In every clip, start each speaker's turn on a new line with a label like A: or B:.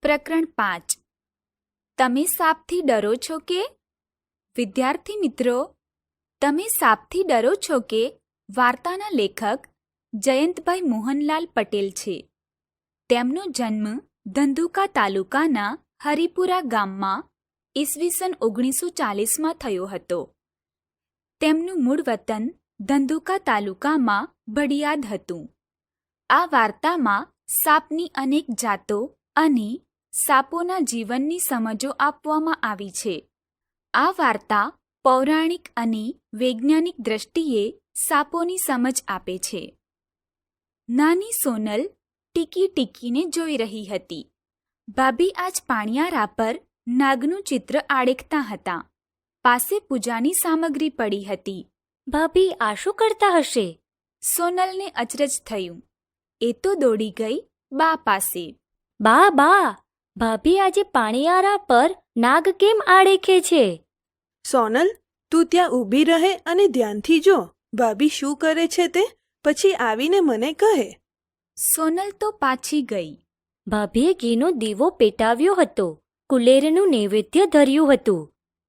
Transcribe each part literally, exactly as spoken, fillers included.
A: પ્રકરણ પાંચ. તમે સાપથી ડરો છો કે? વિદ્યાર્થી મિત્રો, તમે સાપથી ડરો છો કે વાર્તાના લેખક જયંતભાઈ મોહનલાલ પટેલ છે. તેમનો જન્મ ધંધુકા તાલુકાના હરિપુરા ગામમાં ઈસવીસન ઓગણીસો ચાલીસમાં થયો હતો. તેમનું મૂળ વતન ધંધુકા તાલુકામાં ભડિયાદ હતું. આ વાર્તામાં સાપની અનેક જાતો અને સાપોના જીવનની સમજો આપવામાં આવી છે. આ વાર્તા પૌરાણિક અને વૈજ્ઞાનિક દ્રષ્ટિએ સાપોની સમજ આપે છે. નાની સોનલ ટીકી ટીકીને જોઈ રહી હતી. ભાભી આજ પાણિયારા પર નાગનું ચિત્ર આડેખતા હતા. પાસે પૂજાની સામગ્રી પડી હતી.
B: ભાભી આ શું કરતા હશે?
A: સોનલને અચરજ થયું. એ તો દોડી ગઈ બા પાસે.
B: બા બા, ભાભી આજે પાણીયારા પર નાગ કેમ આડેખે છે?
C: સોનલ, તું ત્યાં ઊભી રહે અને ધ્યાનથી જો ભાભી શું કરે છે તે, પછી આવીને મને કહે.
A: સોનલ તો પાછી ગઈ.
B: ભાભીએ ઘીનો દીવો પેટાવ્યો હતો. કુલેરનું નૈવેદ્ય ધર્યું હતું.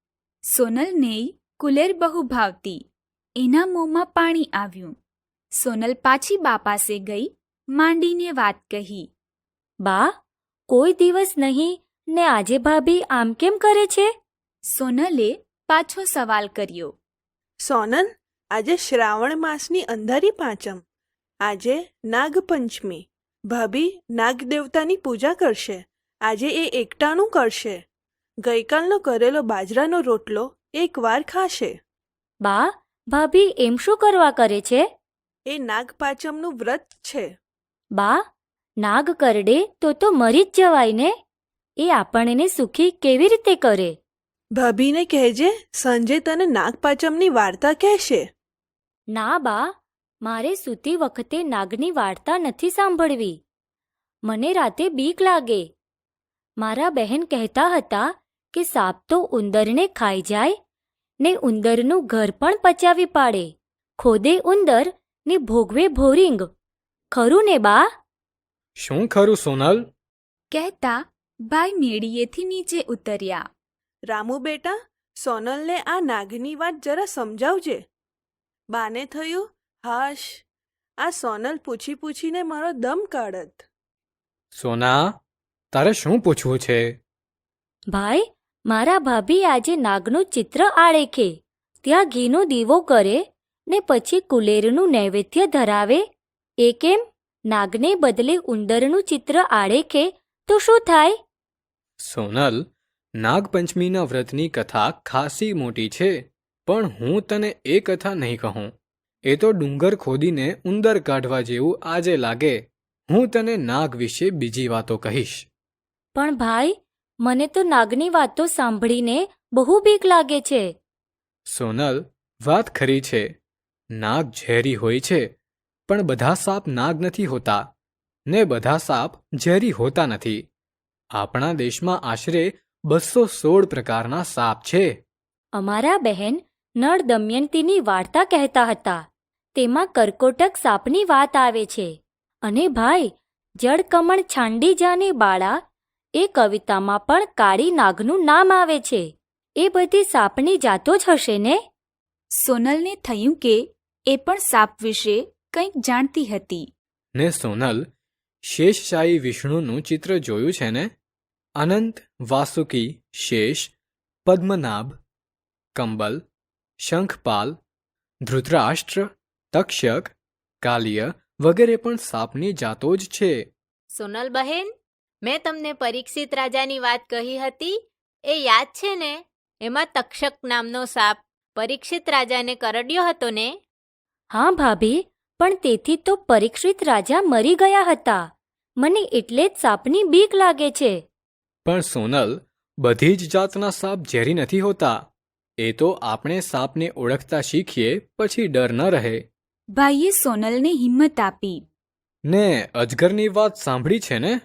A: સોનલને કુલેર બહુ ભાવતી. એના મોંમાં પાણી આવ્યું. સોનલ પાછી બા પાસે ગઈ, માંડીને વાત કહી.
B: બા, કોઈ દિવસ નહીં ને આજે ભાભી આમ કેમ કરે છે?
A: સોનલે પાછો સવાલ કર્યો.
C: સોનલ, આજે શ્રાવણ માસની અંધારી પાંચમ. આજે નાગપંચમી. ભાભી નાગ દેવતાની પૂજા કરશે. આજે એ એકટાણું કરશે. ગઈકાલનો કરેલો બાજરાનો રોટલો એકવાર ખાશે.
B: બા, ભાભી એમ શું કરવા કરે છે?
C: એ નાગપાંચમનું વ્રત છે.
B: બા, નાગ કરડે તો તો મરી જ જવાય ને. એ આપણને સુખી કેવી રીતે કરે?
C: ભાભીને કહેજે સાંજે તને નાગપાંચમની વાર્તા કહેશે.
B: ના બા, મારે સૂતી વખતે નાગની વાર્તા નથી સાંભળવી. મને રાતે બીક લાગે. મારા બહેન કહેતા હતા કે સાપ તો ઉંદરને ખાઈ જાય ને ઉંદરનું ઘર પણ પચાવી પાડે. ખોદે ઉંદર ને ભોગવે ભોરિંગ. ખરું ને બા?
D: શું ખરું સોનલ?
A: કહેતા ભાઈ મેળીએથી નીચે ઉતર્યા.
C: રામુ બેટા, સોનલને આ નાગની વાત જરા સમજાવજે. બાને થયું, હાશ, આ સોનલ પૂછી પૂછીને મારો દમ કાઢત.
D: સોના, તારે શું પૂછવું છે?
B: ભાઈ, મારા ભાભી આજે નાગનું ચિત્ર આળેખે, ત્યાં ઘીનો દીવો કરે ને પછી કુલેરનું નૈવેદ્ય ધરાવે. એ કેમ? નાગને બદલે ઉંદરનું ચિત્ર આળેખે તો શું થાય?
D: સોનલ, નાગપંચમીના વ્રતની કથા ખાસી મોટી છે, પણ હું તને એ કથા નહીં કહું. એ તો ડુંગર ખોદીને ઉંદર કાઢવા જેવું આજે લાગે. હું તને નાગ વિશે બીજી વાતો કહીશ.
B: પણ ભાઈ, મને તો નાગની વાતો સાંભળીને બહુ બીક લાગે છે.
D: સોનલ, વાત ખરી છે. નાગ ઝેરી હોય છે, પણ બધા સાપ નાગ નથી હોતા ને બધા સાપ ઝેરી હોતા નથી. આપણા દેશમાં આશરે બસો સોળ પ્રકારના સાપ છે.
B: અમારા બહેન નળ દમયંતીની વાર્તા કહેતા હતા. તેમાં કરકોટક સાપની વાત આવે છે. અને ભાઈ, જળકમણ છાંડી જાને બાળા, એ કવિતામાં પણ કાળી નાગનું નામ આવે છે. એ બધી સાપની જાતો જ હશે ને?
A: સોનલને થયું કે એ પણ સાપ વિશે કંઈક જાણતી હતી.
D: ને સોનલ, શેષશાહી વિષ્ણુનું ચિત્ર જોયું છે ને? અનંત, વાસુકી, શેષ, પદ્મનાભ, કંબલ, શંખપાલ, ધૃતરાષ્ટ્ર, તક્ષક, કાલિય વગેરે પણ સાપની જાતો જ છે.
E: સોનલ બહેન, મેં તમને પરીક્ષિત રાજાની વાત કહી હતી, એ યાદ છે ને? એમાં તક્ષક નામનો સાપ પરીક્ષિત રાજાને કરડ્યો હતો ને?
B: હા ભાભી, પણ તેથી તો પરીક્ષિત રાજા મરી ગયા હતા. મને એટલે જ સાપની બીક લાગે છે.
D: પણ સોનલ, બધી જ જાતના સાપ ઝેરી નથી હોતા. એ તો આપણે સાપને ઓળખતા શીખીએ પછી ડર ન રહે.
A: ભાઈએ સોનલને હિંમત આપી.
D: ને અજગરની વાત સાંભળી છે ને?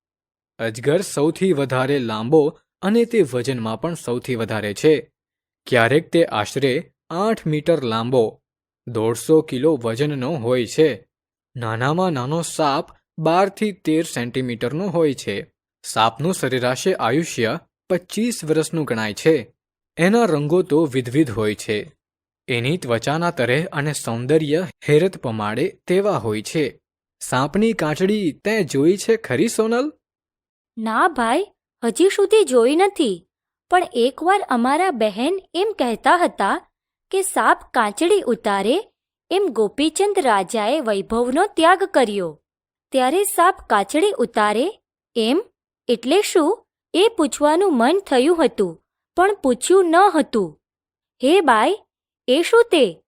D: અજગર સૌથી વધારે લાંબો અને તે વજનમાં પણ સૌથી વધારે છે. ક્યારેક તે આશરે આઠ મીટર લાંબો, દોઢસો કિલો વજનનો હોય છે. નાનામાં નાનો સાપ બારથી તેર સેન્ટીમીટરનો હોય છે. સાપનું સરેરાશે આયુષ્ય પચીસ વર્ષનું ગણાય છે. એના રંગો તો વિધવિધ હોય છે. એની ત્વચાના તરેહ અને સૌંદર્ય હેરત પમાડે તેવા હોય છે. સાપની કાચડી તે જોઈ છે ખરી, સોનલ?
B: ના ભાઈ, હજી સુધી જોઈ નથી. પણ એકવાર અમારા બહેન એમ કહેતા હતા કે સાપ કાચડી ઉતારે એમ ગોપીચંદ રાજાએ વૈભવનો ત્યાગ કર્યો. ત્યારે સાપ કાચડી ઉતારે એમ એટલે શું એ પૂછવાનું મન થયું હતું, પણ પૂછ્યું ન હતું. હે બાઈ, એ શું તે?